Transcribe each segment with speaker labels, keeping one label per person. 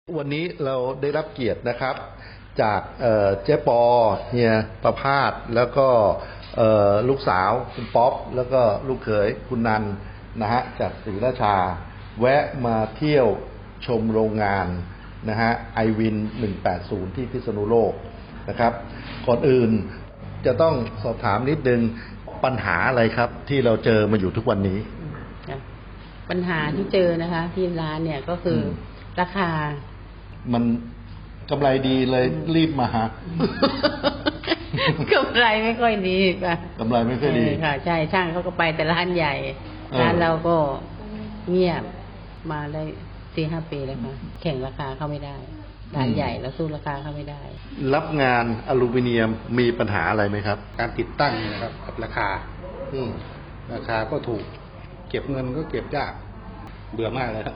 Speaker 1: วันนี้เราได้รับเกียรตินะครับจากเจ๊ปอเฮียประภาสแล้วก็ลูกสาวคุณป๊อปแล้วก็ลูกเขยคุณนันนะฮะจากศรีราชาแวะมาเที่ยวชมโรงงานนะฮะไอวิน180ที่พิษณุโลกนะครับก่อนอื่นจะต้องสอบถามนิดนึงปัญหาอะไรครับที่เราเจอมาอยู่ทุกวันนี้
Speaker 2: ปัญหาที่เจอนะคะที่ร้านเนี่ยก็คือราคา
Speaker 1: มันกำไรดีเลยรีบมาหา
Speaker 2: กำไรไม่ค่อยดีค่ะ
Speaker 1: กำไรไม่ค่อยดี
Speaker 2: ค่ะใช่ช่างเขาก็ไปแต่ร้านใหญ่ร้านเราก็เงียบมาได้4-5 ปีแล้วค่ะแข่งราคาเข้าไม่ได้ร้านใหญ่แล้วสู้ราคาเข้าไม่ได้
Speaker 1: รับงานอลูมิเนียมมีปัญหาอะไรไหมครับ
Speaker 3: การติดตั้งนะครับกับราคาราคาก็ถูกเก็บเงินก็เก็บยากเบื่อมากเลยครับ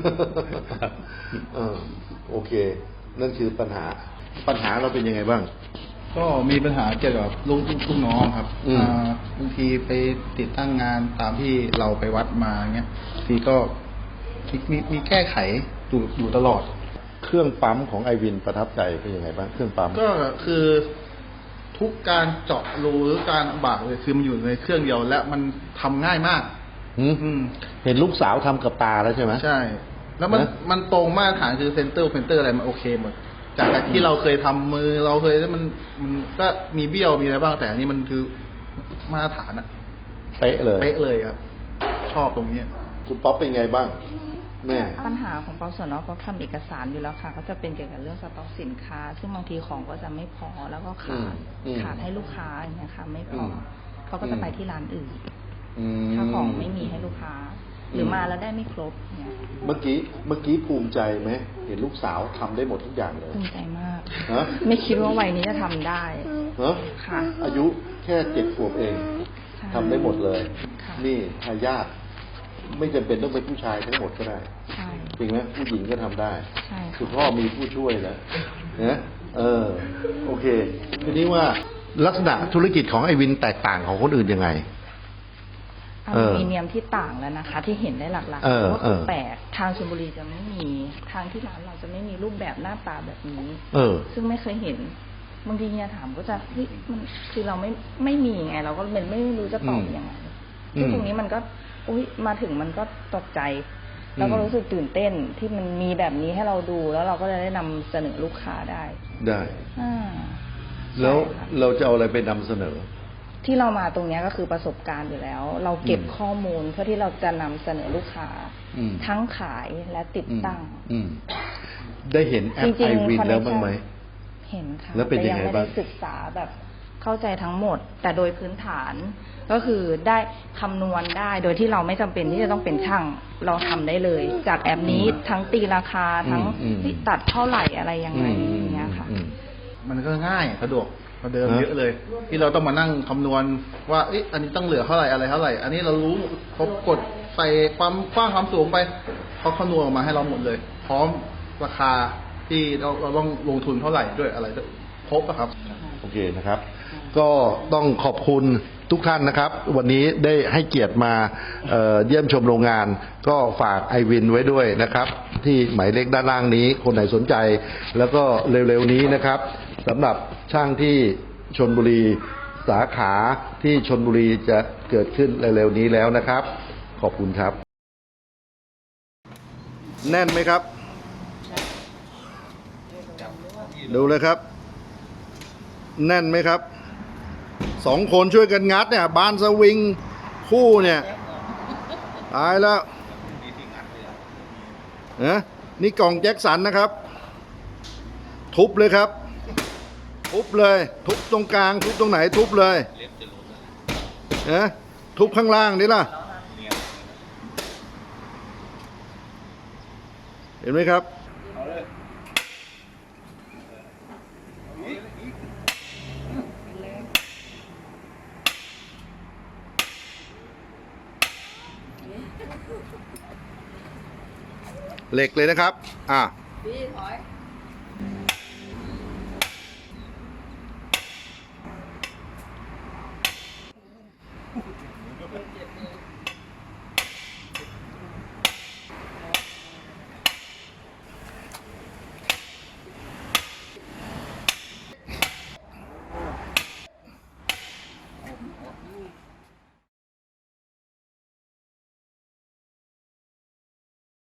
Speaker 1: โอเคนั่นคือปัญหาเราเป็นยังไงบ้าง
Speaker 4: ก็มีปัญหาเกี่ยวกับลูกน้องครับบางทีไปติดตั้งงานตามที่เราไปวัดมาเงี้ยทีก็มีแก้ไขอยู่ตลอด
Speaker 1: เครื่องปั๊มของไอวินประทับใจเป็นยังไงบ้างเครื่องปั๊ม
Speaker 4: ก็คือทุกการเจาะรูหรือการบากเลยคือมันอยู่ในเครื่องเดียวและมันทำง่ายมาก
Speaker 1: เห็นลูกสาวทำกับตาแล้วใช่ไหม
Speaker 4: ใช่แล้วมันตรงมาตรฐานคือเซนเตอร์อะไรมันโอเคหมดจากที่เราเคยทำมือเราเคยมันก็มีเบี้ยวมีอะไรบ้างแต่อันนี้มันคือมาตรฐานอะ
Speaker 1: เป๊ะ
Speaker 4: เลยครับชอบตรงนี้
Speaker 1: คุณป๊อปเป็นไงบ้างแม่
Speaker 5: ปัญหาของป๊อปส่วนน้อยป๊อปทำเอกสารอยู่แล้วค่ะก็จะเป็นเกี่ยวกับเรื่องสต็อกสินค้าซึ่งบางทีของก็จะไม่พอแล้วก็ขาดให้ลูกค้าอย่างเงี้ยค่ะไม่พอเขาก็จะไปที่ร้านอื่นถ้าของไม่มีให้ลูกค้าหรือมาแล้วได้ไม่ครบเนี่ย
Speaker 1: เมื่อกี้ภูมิใจไหมเห็นลูกสาวทำได้หมดทุกอย่างเลย
Speaker 5: ภูมิใจมากไม่คิดว่าวัยนี้จะทำได้ค่ะ
Speaker 1: อายุแค่7 ขวบเองทำได้หมดเลยนี่ทายาทไม่จำเป็นต้องเป็นผู้ชายทั้งหมดก็ได้จริงไหมผู้หญิงก็ทำได้คุณพ่อมีผู้ช่วยแล้วนะโอเคทีนี้ว่าลักษณะธุรกิจของไอวินแตกต่างของคนอื่นยังไง
Speaker 5: อลูมิเนียมที่ต่างแล้วนะคะที่เห็นได้หลักๆเพราะว่าแปลกทางชลบุรีจะไม่มีทางที่ร้านเราจะไม่มีรูปแบบหน้าตาแบบนี้ซึ่งไม่เคยเห็นบางทีเนี่ยถามก็จะมันคือเราไม่มีไงเราก็เป็นไม่รู้จะตอบยังไงซึ่งตรงนี้มันก็มาถึงมันก็ตกใจแล้วก็รู้สึกตื่นเต้นที่มันมีแบบนี้ให้เราดูแล้วเราก็จะได้นำเสนอลูกค้าได้
Speaker 1: แล้วเราจะเอาอะไรไปนำเสนอ
Speaker 5: ที่เรามาตรงนี้ก็คือประสบการณ์อยู่แล้วเราเก็บข้อมูลเพื่อที่เราจะนำเสนอลูกค้าทั้งขายและติดตั้ง
Speaker 1: ได้เห็นแอปไอวินแล้วบ้างไหม
Speaker 5: เห็นค่ะ
Speaker 1: แล้วเป็นยังไงบ้าง
Speaker 5: ศึกษาแบบเข้าใจทั้งหมดแต่โดยพื้นฐานก็คือได้คำนวณได้โดยที่เราไม่จำเป็นที่จะต้องเป็นช่างเราทำได้เลยจากแอปนี้ทั้งตีราคาทั้งตัดเท่าไหร่อะไรยังไงอย่างเงี้ยค่ะ
Speaker 4: มันก็ง่ายสะดวกกว่าเดิมเยอะเลยที่เราต้องมานั่งคำนวณว่าอันนี้ต้องเหลือเท่าไหร่อะไรเท่าไหร่อันนี้เรารู้เขากดใส่ความกว้างความสูงไปเขาคำนวณออกมาให้เราหมดเลยพร้อมราคาที่เราต้องลงทุนเท่าไหร่ด้วยอะไรครบครับ
Speaker 1: โอเคนะครับก็ต้องขอบคุณทุกท่านนะครับวันนี้ได้ให้เกียรติมาเยี่ยมชมโรงงานก็ฝากไอวินไว้ด้วยนะครับที่หมายเลขด้านล่างนี้คนไหนสนใจแล้วก็เร็วๆนี้นะครับสำหรับช่างที่ชลบุรีสาขาที่ชลบุรีจะเกิดขึ้นเร็วๆนี้แล้วนะครับขอบคุณครับแน่นไหมครับดูเลยครับแน่นไหมครับ2 คนช่วยกันงัดเนี่ยบานสวิงคู่เนี่ยตายแล้วนี่กล่องแจ็คสันนะครับทุบเลยครับทุบเลยทุบตรงกลางทุบตรงไหนทุบเลยทุบข้างล่างนี่ล่ะเห็นไหมครับเหล็กเลยนะครับพี่ถอย